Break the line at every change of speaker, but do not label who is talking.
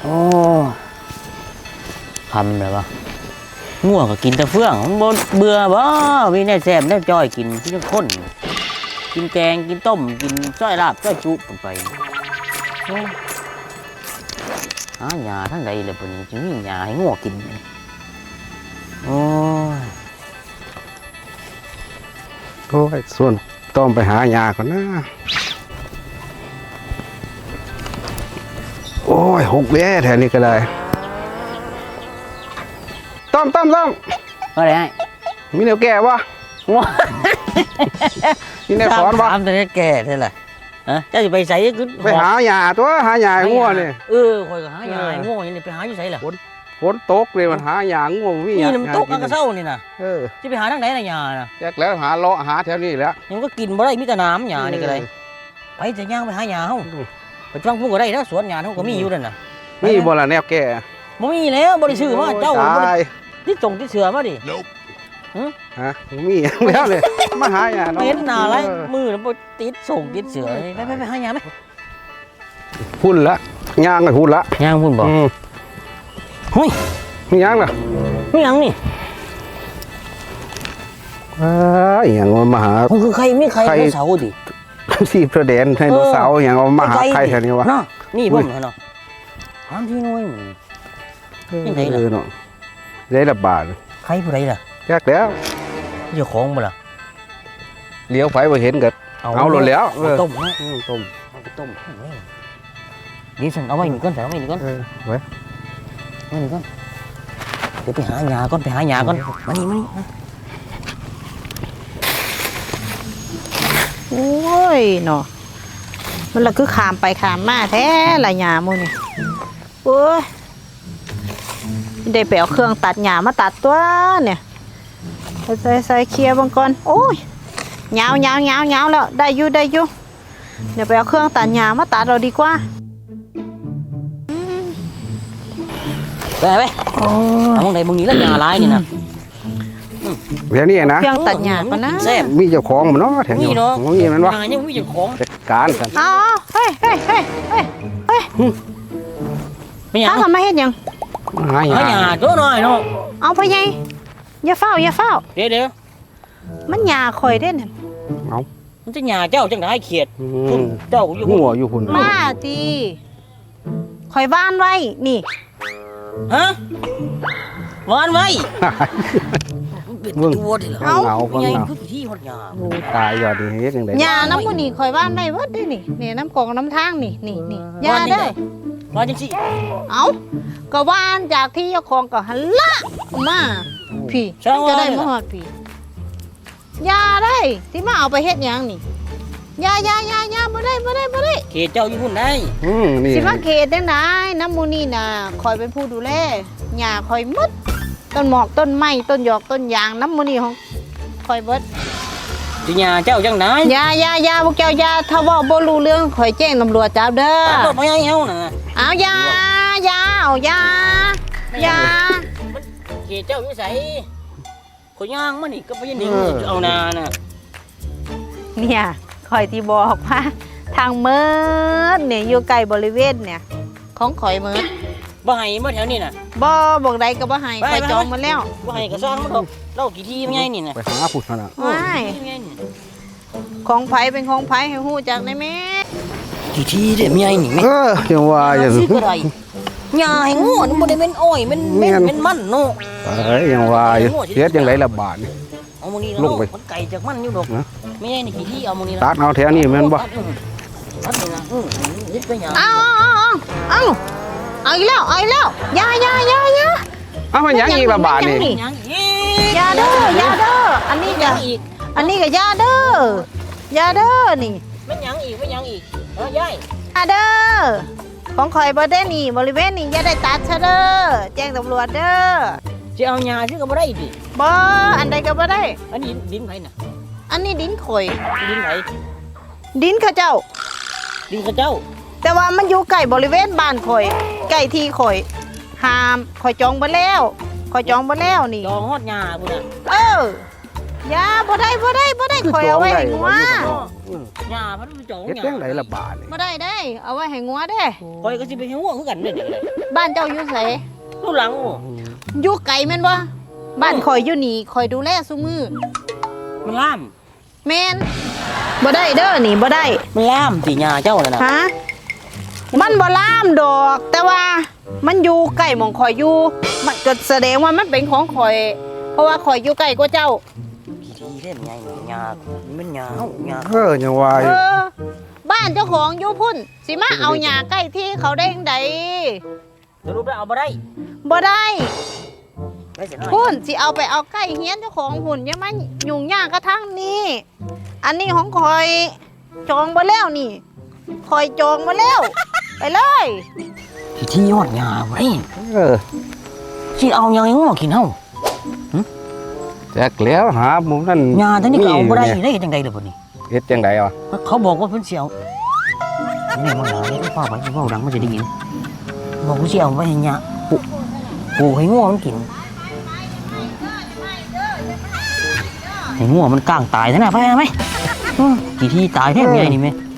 โอ้ทำเลยวะง่วงก็กินแต่เฟื่องบ่เบื่อบ่มีแน่แซ่บแน่จ้อยกินที่ทั้งคนกินแกงกินต้มกินส้อยลาบส้อยจุไปหาหญ้าทั้งใดเลยปุ่นนี้จึงมีหญ้าให้ง่วงกินโอ้
ยส่วนต้อมไปหายาก่อนนะโอ้ยหกแย่แถวนี้ก็ได้ต้อม
อะไรให้
มีแนวแก่วะ
ง่วง
มีแนวสอนวะ
ทำแต่แก่เท่าไหร่ฮะเจ้าจะไปใส่ก็
ไปหายาตัวหายาง่วงนี่
คอยก็หายาง่วงอย่างนี้ไปหาอยู่ใส่ล่ะ
ฝนตกเลยมันหายาง่วงมี
นี่มันตกกระเซ้านี่นะจะไปหาทางไหนล่ะยาน่ะ
แจกแล้วหาเลาะหาแถวนี้แล้ว
ยังก็กินบ่ได้มีแต่น้ำยานี่ก็ได้ไปจะย่างไปหายาเฮาไปฟังพูดก็ได้นะสวนยาเฮาก็มีอยู่นั่นน่ะ
มีบ่ล่ะแนวแก่
บ่มีแล้วบ่ได้ซื้อมาเจ้าที่ส่งที่เสือมาดิ
ฮะมีแล้วเลยมาหายา
เห็นหน้าไรมือบ่ติดส่งติดเสือไปหายาไหม
พุ่นละย่างไอ้พุ่นละ
ย่างพุ่นบ่เฮ้ย
มีย่างล่ะ
มีย่างนี่
อย่างมาหา
คือใครมีใครเสาดิ
สีประเด็นไดโนเสาร์อย่างมาหาใครแถวนี้วะ
นี่บ่เนาะหามที่น้อยยังไงล่ะ
เนาะได้ระบาด
ใครผู้ใดล่ะ
แจกแล้ว
เจ้าของบ่ล่ะ
เลี้ยวไปบ่เห็นกันเอาหล่นแล้ว
ต้มนะต้มนี่ฉันเอาไว้นี่ก่อนเอาไว้นี่ก่อน
ไว้
นี่ก่อนเดี๋ยวไปหาหญ้าก่อนมานี่
โอ้ยเนาะมันละคือขามไปขามมาแท้ละหญ้ามูนี่โอ้ยได้ไปเอาเครื่องตัดหญ้ามาตัดตัวเนี่ยใส่เคลียร์บางก่อนโอ้ยยาวแล้วได้อยู่เดี๋ยวไปเอาเครื่องตัดหญ้ามาตัดเราดีกว่า
ไปเอาไหนมึงนี้แล้วหญ้าลายนี่นะ
แถวนี้นะ
เครื่องตัดหญ้าปะนะ
มีเจ้าของมันเนาะแถวนี้มีมันวะ
ยังมีเจ้าของ
การกัน
เฮ้ยถ้าทำไมเห็นยัง
หาห
ญ้าตัวน้อยเนาะ
เอาไปยังอย่าเฝ้า
เดี๋ยว
มันหญ้าคอยเด่น
เอา
มันจะหญ้าเจ้าจังได้เขียดเจ้าอยู่
หัวอยู่หุ่น
มาตีคอยบ้านไว้นี่
ฮะวานไว้
มึง
เอาที่หดยา
ตายยอดดีเฮ็ดจังได๋
ยาน้ำมันนี่คอยบ้านได้เบิดได้นี่น้ำกองน้ำทางนี่ยาเด้อ
วานจังสิ
เอาก็วานจากที่เจ้าของก็หันละมาพี่จะได้มาฮอดพี่ยาได้ที่มาเอาไปเฮ็ดหยังนี่ยาบ่ได้
เขตเจ้าอยู่พุ่นได้
สิมาเขตได้ไหนน้ำมูนี่น่ะคอยเป็นผู้ดูแลหญ้าคอยมดต้นหมอกต้นไม้ต้นหยอกต้นยางน้ำมูนี่ของคอยเบิด
สิหญ้าเจ้าจังได๋
ยาพวกเจ้ายาถ้าว่าบ่รู้เรื่องคอยแจ้งตำรวจจับเด้อ
ตำรวจบ่ให้เอาน่ะ
เอายา
เขตเจ้าอยู่ไสข่อยย่างมานี่ก็บ่ยินดีเอานาน่ะ
เนี่ยคอยที่บอกว่าทางเมิดเนี่ยอยู่ใกล้บริเวณเนี่ยของข่อยเมิด
บ่ให้มาแถวนี้น่ะ
บอกใดก็บ่ให้ข่อยจองมาแล้ว
บ่ให้ก็สร้างมันดอกเรากี่ที่ไงนี่น่ะ
ไปหาพุทธน่ะ
ไม่ของไผเป็นของไผให้ฮู้จักได้แม่
กี่ที่เด้มีไอ้นี่แม่
จังว่าอย่าง
นี้หญ้าให้งูมันบ่ได้เป็นอ้อยมันมันเนาะ
ยังว่าเฮ็ดจังได๋ล่ะบาดนี่
เอามื้อนี้มันไก่จากมันอยู่ดอกไม่ใช่นี่กี่ที่เอามื้อนี้
ตัดเอาแถวนี้แม่นบ่
ตัดนี่นะยึดไปหยัง
เอาอีกแล้วยา
เอามันยังอีกละบาทนี่
ยาเด้ออันนี้ก็ยาเด้อนี่
มันยังอีกยาย
ยาเด้อของข่อยบ่ได้นี่บริเวณนี้อย่าได้ตัดซะเด้อแจ้งตำรวจเด้อ
จะเอาหญ้าซื้อก็บ่ได้ดิ
บ่อันใดก็บ่ได้
อันนี้ดินไผน่ะ
อันนี้ดินข่อย
ดินไหน
ดินข้าเจ้าแต่ว่ามันอยู่ใกล้บริเวณบ้านข่อยใกล้ที่ข่อยห้ามข่อยจองบ่แล้วนี่
จองฮอดหญ้าพุ่นน่ะ
อย่าบ่ได้ข่อยเอาไว้ให้งัว
หญ้ามันจ่อง
เฮ็ด
หญ้า
จังไดล่ะบาดนี่
บ่ได้เด้เอาไว้ให้งัวเด้
คอยก็สิไปให้ง่วงคือกันเด้อ
บ้านเจ้าอยู่ไส
ลูกหลัง
อยู่ไกลแม่นบ่บ้านข่อยอยู่นี่ข่อยดูแลซุมื้อ
มันล่าม
แม่นบ่ได้เด้อนี่บ่ได้
มันล่ามสิหญ้าเจ้านั่นน่ะ
ฮะมันบ่ล่ามดอก แต่ว่ามันอยู่ใกล้หม่องข่อยอยู่มันก็แสดงว่ามันเป็นของข่อย เพราะว่าข่อยอยู่ใกล้กว่าเจ้า
กี่ทีเด้มันใหญ่หญ้ามันหญ้าเฮาหญ้า
ยังว่าอ
เอยู่ อบ้านเจ้าของอยู่พุ่นสิมาเอาหญ้าใกล้ที่เขาได้จังได
สรุปแล้วเอาบ่ได้
บ่ได้
ได้สิน้อย
พุ่นสิเอาไปเอาใกล้เฮียนเจ้าของพุ่นอย่ามายุ่งยากกระทั่งนี้อันนี้ของข่อยจองบ่แล้วนี่ข่อยจองบ่แล้ว ไปเลย
กี่ทียอดหญ้าบ่ได้
เออ
สิเอาหยังให้ง่วงกินเฮา
แจกแล้วหาหมุมนั่น
หญ้าทั้งนี้ก็เอาบ่ได้
นี่
ได้จังได๋ล่ะบัดนี้
เฮ็ดจังไดอ่ะ
เขาบอกว่าเพิ่นสิเอานี่มันหญ้านี่เฝ้าไว้เฝ้าดังมันจะได้ยินบอกว่าสิเอาไว้ให้หญ้าปลูกให้ง่วงมันกินให้ง่วงมันก้างตายซะนะไปไหมกี่ทีตายแท้เมียนี่แม่